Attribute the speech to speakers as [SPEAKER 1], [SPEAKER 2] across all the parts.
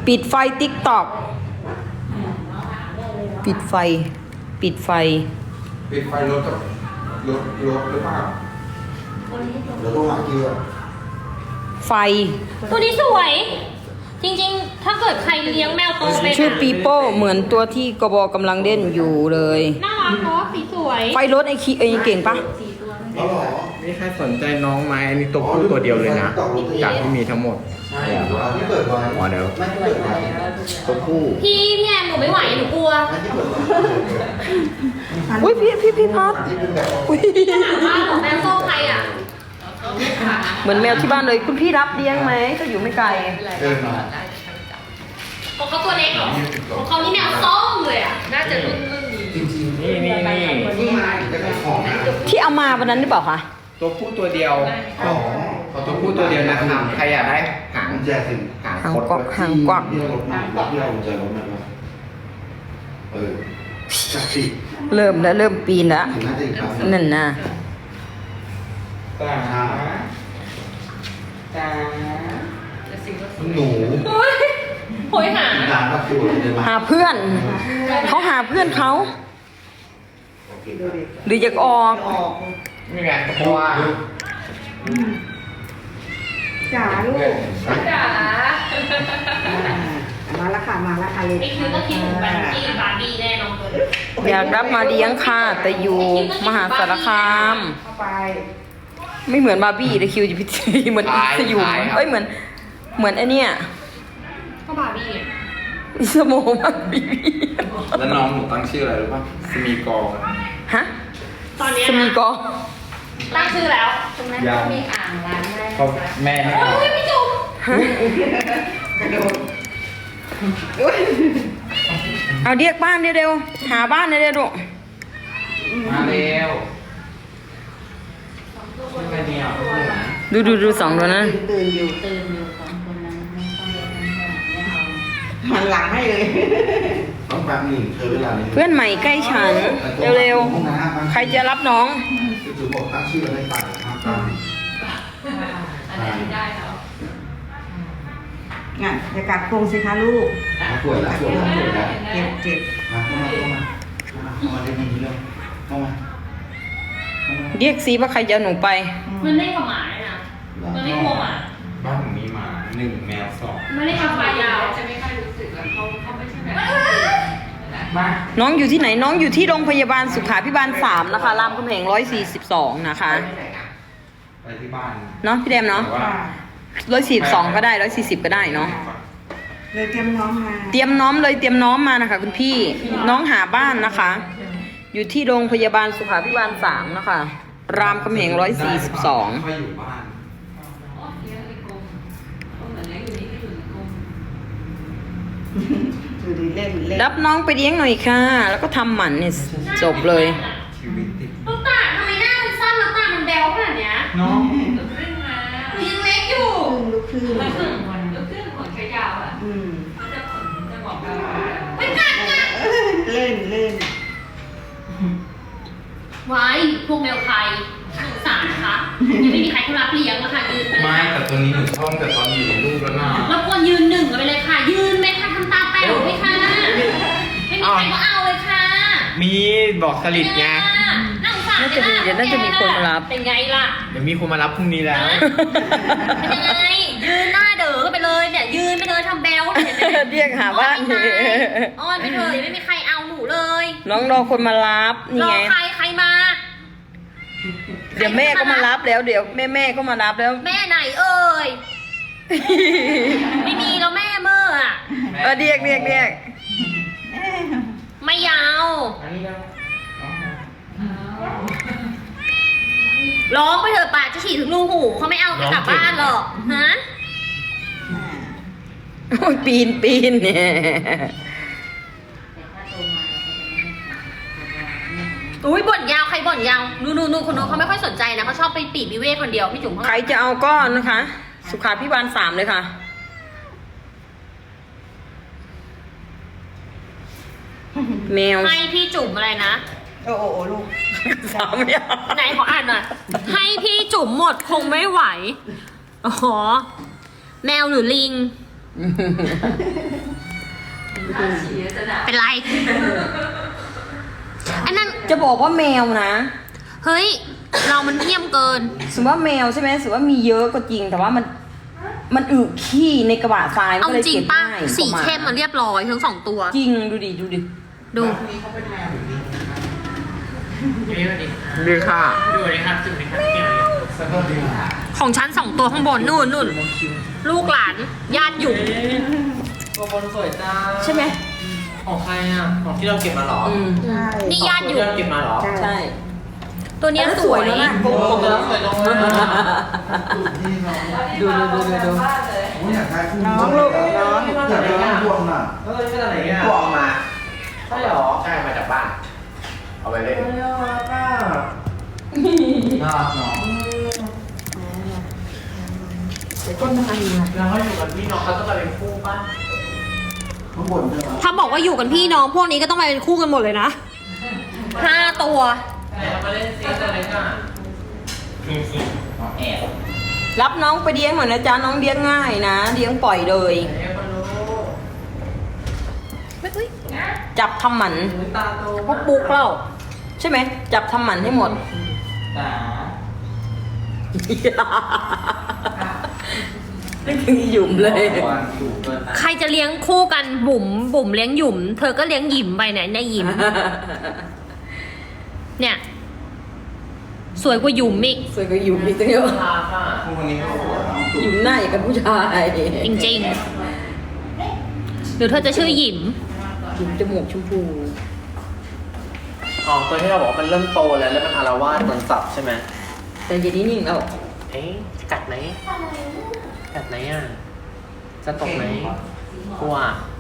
[SPEAKER 1] ปิดไฟติ๊กตอกปิดไฟปิดไฟ
[SPEAKER 2] ปิดไฟรถกับรถหรือเปล่าแล้วก็หาเกียร์
[SPEAKER 1] ไฟ
[SPEAKER 3] ตัวนี้สวย จริงๆ ถ้าเกิดใครเลี้ยงแมวโตไป
[SPEAKER 1] ชื่อปีโป้เหมือนตัวที่กบกำลังเล่นอยู่เลย
[SPEAKER 3] น่ารักเนาะสีสวย
[SPEAKER 1] ไฟรถไอ้เก่งปะ
[SPEAKER 2] อ๋อเหรอ
[SPEAKER 4] นี่ใครสนใจน้องไหมอันนี้ตัวผู้ตัวเดียวเลยนะ จากที่มีทั้งหมด
[SPEAKER 2] ใช่ไม่เปิดไว้
[SPEAKER 4] อ๋อเดี๋ยว
[SPEAKER 2] ไม่เปิดไว้
[SPEAKER 4] ตัวผู้
[SPEAKER 3] พี่แอมหนูไม่ไหวหนูกลัว
[SPEAKER 2] ไม่ที่เปิดไว้
[SPEAKER 1] อุ้ยพี่พัด
[SPEAKER 2] ที่เป็นแบบ
[SPEAKER 1] อุ้ย
[SPEAKER 3] ถามว่าของแมวโซ่ใครอ่ะ
[SPEAKER 1] เหมือนแมวที่บ้านเลยคุณพี่รับเลี้ยงไหมก็อยู่ไม่ไกล
[SPEAKER 2] เดินมา
[SPEAKER 3] ของเขาตัวเล็กเหรอของเขานี่แมวส้มเลยอ่ะ น่าจะรุ่นนี้
[SPEAKER 2] จริงๆ
[SPEAKER 4] นี่
[SPEAKER 2] จะเป็นของนะ
[SPEAKER 1] ที่เอามาวันนั้นหรือเปล่าคะ
[SPEAKER 4] ตัวผู้ตัวเดียว
[SPEAKER 2] ของ
[SPEAKER 4] ตัวผู้ตัวเดียวนะครับใครอยากได้หาง
[SPEAKER 2] กุญแจสิ
[SPEAKER 4] หาง
[SPEAKER 1] หาง
[SPEAKER 4] คด
[SPEAKER 1] กวักหางกวัก
[SPEAKER 2] ที่เรารถมาที่เรากุญแจรถมาจักสิ
[SPEAKER 1] เริ่มปีนแล้ว
[SPEAKER 2] ถึงน่าจะอีกครั้ง
[SPEAKER 1] นั่นน่ะ
[SPEAKER 2] หนู
[SPEAKER 3] โหยหา
[SPEAKER 2] ร้านก็คือเดินมา
[SPEAKER 1] หาเพื่อนเขาหาเพื่อนเขาหรืออยากออก
[SPEAKER 4] นี่ไงเพราะว่า
[SPEAKER 5] จ๋าลูก
[SPEAKER 3] จ๋า
[SPEAKER 5] มาละค่ะมาละค่ะเลย
[SPEAKER 3] ไอ้คิวก็คิดถึงแบงกี้บาร์บี้แน่นอนเลย
[SPEAKER 1] อยากรับมาเลี้ยงค่ะแต่อยู่มหาสารคาม
[SPEAKER 5] เข้าไป
[SPEAKER 1] ไม่เหมือนบาร์บี้เลยคิวจะพิธีเหมือนสยุมเอ้ยเหมือนไอเนี้ย
[SPEAKER 3] ก็บาร์บี้อ่ะ
[SPEAKER 1] อิสโมบาร์บี้
[SPEAKER 4] แล้วน้องหนูตั้งชื่ออะไรรู้ป่ะสมีกอ
[SPEAKER 1] ฮะ
[SPEAKER 3] ตอนเนี้ย
[SPEAKER 1] สมีกอ
[SPEAKER 3] ตั้งชื่อแล้ว
[SPEAKER 5] ตรงนั้นมีอ่างล้างได้
[SPEAKER 4] เพราะแม่ให้
[SPEAKER 3] โอ้ยพี่จุ๋ม
[SPEAKER 1] ฮะ
[SPEAKER 5] กระโดด
[SPEAKER 1] เอาเรียกบ้านเร็วๆหาบ้านเร็วๆลูก
[SPEAKER 4] มาเร็วไม่เนี่ย
[SPEAKER 1] ดูสองตัวนั้น
[SPEAKER 5] ตื่นอยู่ของคนนั้นไม่ต้องเรียกไม่เอาหันหลังให้เลย
[SPEAKER 2] ต้องแป๊บหนึ่งเธอเวลานี้
[SPEAKER 1] เพื่อนใหม่ใกล้ฉันเร็วๆใครจะรับน้อง
[SPEAKER 2] คือถือบอกตั้งชื่ออะไรต่างครับตาม
[SPEAKER 3] อันนี้ได้แล้ว
[SPEAKER 5] งั้นอย่ากัดโครงสิคะลูก
[SPEAKER 2] ปวดแล้ว
[SPEAKER 5] เจ็บ
[SPEAKER 2] มาเข้ามาได้ยินเรื่องเข้ามา
[SPEAKER 1] เรียกซีว่าใครจะเอาหนูไป
[SPEAKER 3] มันเล่นกับหมาเลยนะ มันไม่กลัวหมา
[SPEAKER 4] บ้านผมมีหมา1 แมว 2
[SPEAKER 3] มันเล่นกับหมายาว
[SPEAKER 6] จะไม่ค่อยรู้สึกแล้วเขาไม่ใช่แบบ
[SPEAKER 4] มา
[SPEAKER 1] น้องอยู่ที่ไหนน้องอยู่ที่โรงพยาบาลสุขาภิบาล3นะคะรามคำแหง142นะคะ
[SPEAKER 4] ไปที่บ้าน
[SPEAKER 1] เนาะพี่แดมเนาะ
[SPEAKER 4] แต่ว่า
[SPEAKER 1] 142ก็ได้140ก็ได้เนาะ
[SPEAKER 5] เลยเตรียมน้องมา
[SPEAKER 1] เตรียมน้อมเลยเตรียมน้อมมานะคะคุณพี่น้องหาบ้านนะคะ อยู่ที่โรงพยาบาลสุขาภิบาล3นะคะรามคำแหง142
[SPEAKER 4] ค่อยอยู่บ้าน
[SPEAKER 5] ดูดิเล่นเล่น
[SPEAKER 1] รับน้องไปเลี้ยงหน่อยค่ะ แล้วก็ทำหมันเนี่ยจบเลย
[SPEAKER 4] ชีวิตติด
[SPEAKER 3] ลูกตาทำไมหน้ามันสั้นแล้วตามันแบวขนาดเนี้ย
[SPEAKER 4] น้อง
[SPEAKER 6] ขึ้นมา
[SPEAKER 3] หนูยังเล็กอยู่
[SPEAKER 5] ลุกขึ้น
[SPEAKER 6] แล้วขึ้นขนขยาวอ่ะ
[SPEAKER 5] อืม
[SPEAKER 6] เขาจะขนจะบอกเรา
[SPEAKER 3] ไม่กัดนะ
[SPEAKER 5] เล่นเล่น
[SPEAKER 3] ไว้พวกแมวไทยสงสารนะคะยังไม่มีใครเขารับเลี้ยงนะคะยืนไปเล
[SPEAKER 4] ไม่
[SPEAKER 3] ย
[SPEAKER 4] แต่ตัวนี้หนูชอบแต่ตอนอยู่ในลูกแล้วนะ
[SPEAKER 3] รบกวนยืนหนึ่งกันไปเลยค่ะ ยืนไหมคะทำตาแป๋วไหมคะไม่มีใครก็เอาเลยค่ะ
[SPEAKER 4] มีบอกสลิดไง
[SPEAKER 3] น่าสงสาร
[SPEAKER 1] น่าจะมีเดี๋ยวน่าจะมีคนมารับ
[SPEAKER 3] เป็นไงล่ะ
[SPEAKER 4] เดี๋ยวมีคนมารับพรุ่งนี้แล้ว
[SPEAKER 3] เป็นยังไง ยืนหน้าเด๋อกันไปเลยเนี่ย ยืนไปเลยทำแบลเห็นไหม
[SPEAKER 1] เรียกหาบ้าน
[SPEAKER 3] อ้อนไปเถอะยังไม่มีใครเอาหนูเลย
[SPEAKER 1] น้องรอคนมารับนี่
[SPEAKER 3] รอ
[SPEAKER 1] ไง
[SPEAKER 3] ใครมา
[SPEAKER 1] เดี๋ยวแม่ก็มารับแล้วเดี๋ยวแม่ก็มารับแล้ว
[SPEAKER 3] แม่ไหนเอ่ย ไม่มีแล้วแม่เมื่ออะ
[SPEAKER 1] เรียก
[SPEAKER 3] ไม่ยาว
[SPEAKER 4] อันนี้แล้ว
[SPEAKER 3] ร้องไปเถอะป่าจะฉีดถึงรูหูเขาไม่เอาไปกลับบ้านหรอกฮะ
[SPEAKER 1] โอ้ยปีนเนี่ย
[SPEAKER 3] อุ้ยบ่นยาวใครบ่นยาวนูคนนู้นเขาไม่ค่อยสนใจนะเขาชอบไปปีกวิเวกคนเดียวพี่จุ๋มเขา
[SPEAKER 1] ใครจะเอาก้อนนะคะ สุขาภิบาล3เลยค่ะ แมว
[SPEAKER 3] ให้พี่จุ๋มอะไรนะ
[SPEAKER 5] โอ้โหลูก
[SPEAKER 1] 3อย่าง
[SPEAKER 3] ไหนขออ่านหน่อยให้พี่จุ๋มหมดคงไม่ไหวอ๋อแมวหรือลิง
[SPEAKER 6] ถ้าฉี่จะด่า
[SPEAKER 3] เป็นไร อันนั้น
[SPEAKER 1] จะบอกว่าแมวนะ
[SPEAKER 3] เฮ้ย เรามันเยี่ยมเกิน
[SPEAKER 1] สมมติว่าแมวใช่ไหมสมมติว่ามีเยอะก็จริง แต่ว่ามันอึขี้ในกระบะทรายมัน
[SPEAKER 3] เอา
[SPEAKER 1] ก็เลย
[SPEAKER 3] จริง
[SPEAKER 1] เก็บ
[SPEAKER 3] ป่ะ
[SPEAKER 1] ง่าย
[SPEAKER 3] สีเข้มมันเรียบร้อยทั้งสองตัว
[SPEAKER 1] จริงดูดิ
[SPEAKER 3] ดู
[SPEAKER 4] ดีค่ะ
[SPEAKER 3] ของฉันสองตัวข้างบนนู่นลูกหลานญาติอยู่
[SPEAKER 4] ตัวบนสวยจ้า
[SPEAKER 1] ใช่ไหม
[SPEAKER 4] ของใครอ่ะ ของที่เราเก็บมาเหรอ
[SPEAKER 1] อืม
[SPEAKER 5] ใช่
[SPEAKER 3] นี่ญาติอยู่
[SPEAKER 4] ที่เราเก็บมาเหรอ
[SPEAKER 1] ใช่
[SPEAKER 3] ตัวเนี้ยสวย
[SPEAKER 1] แล้วนะ
[SPEAKER 4] โกงแล้วสวยลงเลย
[SPEAKER 1] ดู
[SPEAKER 6] บ้านเลย
[SPEAKER 2] อยากได้คู่
[SPEAKER 5] น้องลูกน้อง
[SPEAKER 2] อยากได้พวงน่ะ
[SPEAKER 4] เฮ้ยมาจากไหนอ่ะ
[SPEAKER 2] พวงมา
[SPEAKER 4] ใช่เหรอ
[SPEAKER 2] ใช่มาจากบ้าน เอาไปเล่น
[SPEAKER 4] น่ารักอ่ะ
[SPEAKER 2] น่ารักเนาะ
[SPEAKER 1] ต้นอะไรนะ
[SPEAKER 4] แล้วเขาอยู่กับพี่น้องเขาต้องมาเป็นคู่ป่ะ
[SPEAKER 2] ข้างบนใช่ไหม
[SPEAKER 3] ถ้าบอกว่าอยู่กันพี่น้องพวกนี้ก็ต้องมาเป็นคู่กันหมดเลยนะ5 ตัว
[SPEAKER 4] แต่มาเล่นซีตัวเล็กอ่ะแอบ
[SPEAKER 1] รับน้องไปเลี้ยงหน่อยนะจ๊ะน้องเลี้ยงง่ายนะเลี้ยงปล่อยเลย
[SPEAKER 4] แอบมารู้
[SPEAKER 1] จับทำหมัน
[SPEAKER 4] ตาโต
[SPEAKER 1] พวกปุ๊กเล่าใช่ไหมจับทำหมันให้หมด
[SPEAKER 4] ตา
[SPEAKER 1] นึกถึงหยุ่มเลย
[SPEAKER 4] ถูกเกิน
[SPEAKER 3] ใครจะเลี้ยงคู่กันบุ๋มเลี้ยงหยุ่ม เธอก็เลี้ยงหยิมไปไหนในหยิม เนี่ย สวยกว่าหยุ่มอีก
[SPEAKER 1] สวยกว่าหยุ่มอีกตั้งเยอะ
[SPEAKER 4] ตาค่ะ
[SPEAKER 2] คู่คนนี้ก็สวยนะ
[SPEAKER 1] หยุ่มหน้าอย่างกับผู้ชาย
[SPEAKER 3] จริงๆ หรือเธอจะชื่อหยิม
[SPEAKER 1] หยุ่มจมูกชมพู
[SPEAKER 4] อ๋อตัวที่เราบอกว่ามันเริ่มโตแล้วมันอารวาสโดนสับใช่ไหม
[SPEAKER 1] แต่เย็นนี้นิ่งแล้ว
[SPEAKER 4] เอ๊ะจะกัดไหมกัดไหมอ่ะ จะตกไหมกลัว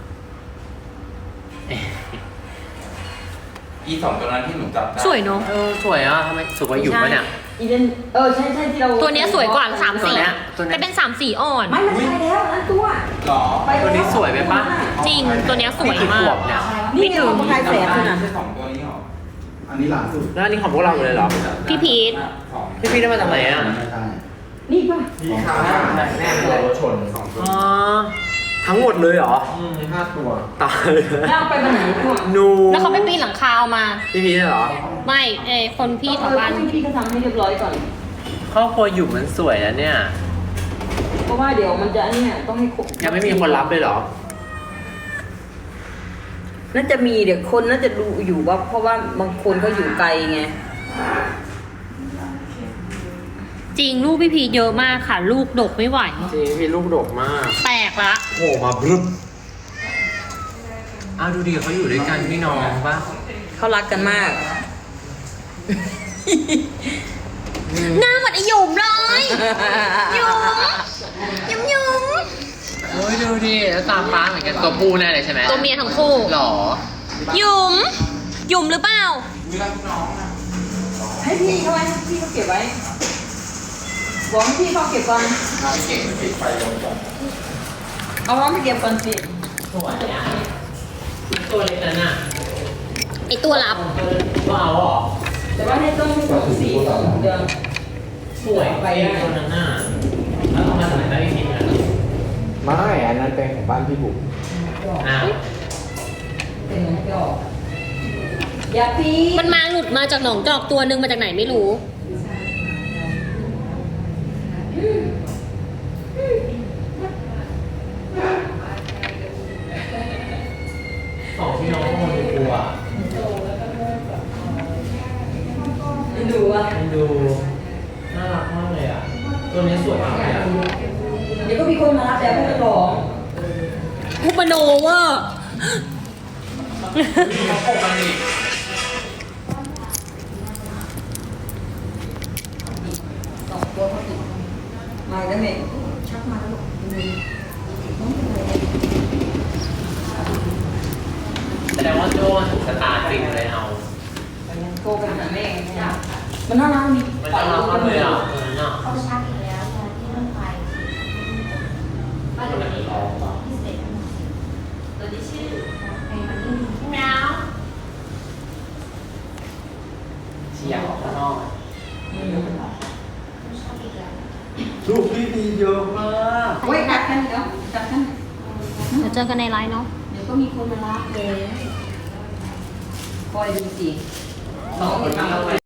[SPEAKER 4] เอ๊ะ
[SPEAKER 2] อีสองตัวนั้นที่หนูจับได้
[SPEAKER 3] สวยเนาะ
[SPEAKER 4] สวยอ่ะทำไมสวยกว่าอยู่ปะเนี่ย
[SPEAKER 1] อีเดนใช่ที่เรา
[SPEAKER 3] ตัวเนี้ยสวยกว่า3
[SPEAKER 4] ตัว
[SPEAKER 3] สี
[SPEAKER 4] เนี้ยตัวเนี้ย
[SPEAKER 3] แต่เป็น3 สีอ่อน
[SPEAKER 1] ไม่ใช่แล้วนั่นตัว
[SPEAKER 2] หรอ
[SPEAKER 4] ตัวนี้สวยไหมปะ
[SPEAKER 3] จริง ตัวเนี้ยสวย
[SPEAKER 4] กี่
[SPEAKER 3] มา
[SPEAKER 4] ขว
[SPEAKER 3] ก
[SPEAKER 4] บเนี่ย
[SPEAKER 1] นี่ไงเราประกายแสงขนาด
[SPEAKER 2] ไม่ใช่สองตัวนี้หรอ อันนี้หลังสุด
[SPEAKER 4] แล้วอันนี้ของพวกเราเลยเหรอ
[SPEAKER 3] พี่พีท
[SPEAKER 2] สอง
[SPEAKER 4] พี่ได้มาจากไหนอ่ะ
[SPEAKER 2] ไม่ใช่
[SPEAKER 1] นี่ป่ะ
[SPEAKER 2] พี่ขาแน่เลยรถชนสองตัว
[SPEAKER 4] อ๋อ ทั้งหมดเลยเหรอ
[SPEAKER 2] 5 ตัว
[SPEAKER 4] ตายเลย
[SPEAKER 1] แล้วเอาไปวันไหนพวก
[SPEAKER 4] นู
[SPEAKER 3] แล้วเขาไปปีนหลังคาเอามา
[SPEAKER 4] พี่พีชเหรอ
[SPEAKER 3] ไม่คนพี่แถวบ้าน
[SPEAKER 1] พี่ก็ทำให้เรียบร้อยก่อน
[SPEAKER 4] ครอบครัวอยู่มันสวยนะเนี่ย
[SPEAKER 1] เพราะว่าเดี๋ยวมันจะเนี่ยต้องให้ครบ
[SPEAKER 4] ยังไม่มีคนรับเลยเหรอ
[SPEAKER 1] น่าจะมีเดี๋ยวคนน่าจะดูอยู่ว่าเพราะว่าบางคนเขาอยู่ไกลไง
[SPEAKER 3] จริงลูกพี่พีทเยอะมากค่ะ ลูกดกไม่ไหว
[SPEAKER 4] จริงพี่ลูกดกมาก
[SPEAKER 3] แตกละ
[SPEAKER 4] โผล่มาบรึบอ้าวดูดิเขาอยู่ด้วยกันพี่น้องปะ
[SPEAKER 1] เขารักกันมาก
[SPEAKER 3] หน้าเหมือนไอหยุมเลยหยุมหยุม
[SPEAKER 4] โอ้ยดูดิแล้วตาฟ้าเหมือนกันตัวผู้แน่เลยใช่ไหม
[SPEAKER 3] ตัวเมียทั้งคู่
[SPEAKER 4] หรอ
[SPEAKER 3] หยุมหยุมหรือเปล่า
[SPEAKER 1] ให้พี่เขาไว้พี่เขาเก็บไว้บอกให้พี่เขาเก็บก่อน
[SPEAKER 2] ถ้าไม่เก่งปิดไฟลงก่อน
[SPEAKER 1] เอาน้องไปเก็บก่อนสิ
[SPEAKER 4] สวยอ่ะตัวเล็กนั้นอ่ะ
[SPEAKER 3] ไอตัวรับ
[SPEAKER 4] ว้าวเหรอ
[SPEAKER 1] แต่ว่าให้ต้องให้ครบ4 เดือน
[SPEAKER 4] สวยไปตัวนั้นน่ะแล้วเอามาจากไหนได้พี่พีชไม่ อันนั้นเป็นของบ้านพี่บุ๋มอ้าว
[SPEAKER 1] เป็นไงพี่ออกอย่าปี
[SPEAKER 3] มันมาหลุดมาจากหนองจอกตัวหนึงมาจากไหนไม่รู้
[SPEAKER 4] สองพี่น้องคนดูกลัว
[SPEAKER 1] ดูอ่ะ
[SPEAKER 4] มันดูน่ารักมากเลยอ่ะ ตัวนี้สวยมากเลยอ่ะ
[SPEAKER 1] เดี๋ยวก็มีคนมารับแล้วผู้ร้อง
[SPEAKER 3] อุปโนเวอร์
[SPEAKER 4] เขาปกมันดิ
[SPEAKER 1] 2 ตัวเขาติดมาแล้วแม่ชักมาแล้ว
[SPEAKER 4] แสดงว่าโจ้ถูกชะตาจริงเลยเอา
[SPEAKER 1] โทรไปหาแม่มันน่ารักมี
[SPEAKER 4] มันน่ารักมากเลยอ่ะตัวนั้นอ่ะ
[SPEAKER 7] เขาชักอีกแล้วตอนที่รถไฟบ้านเลขที่ที่เสร็จตัวที่ชื่อไอ้มันนี่แมว
[SPEAKER 4] เชียร์ออกข้างนอก
[SPEAKER 7] ชักอีกแล้ว
[SPEAKER 2] ลูกพี่ดีเยอะมาก
[SPEAKER 1] โอ้ยกัดกันเดี๋ยวกัดกัน
[SPEAKER 3] เดี๋ยวเจอกันในไลน์เนาะ
[SPEAKER 1] เดี๋ยวก็มีคนมารับเลยคอยดูสิ
[SPEAKER 4] 2 คนนั่งแล้ว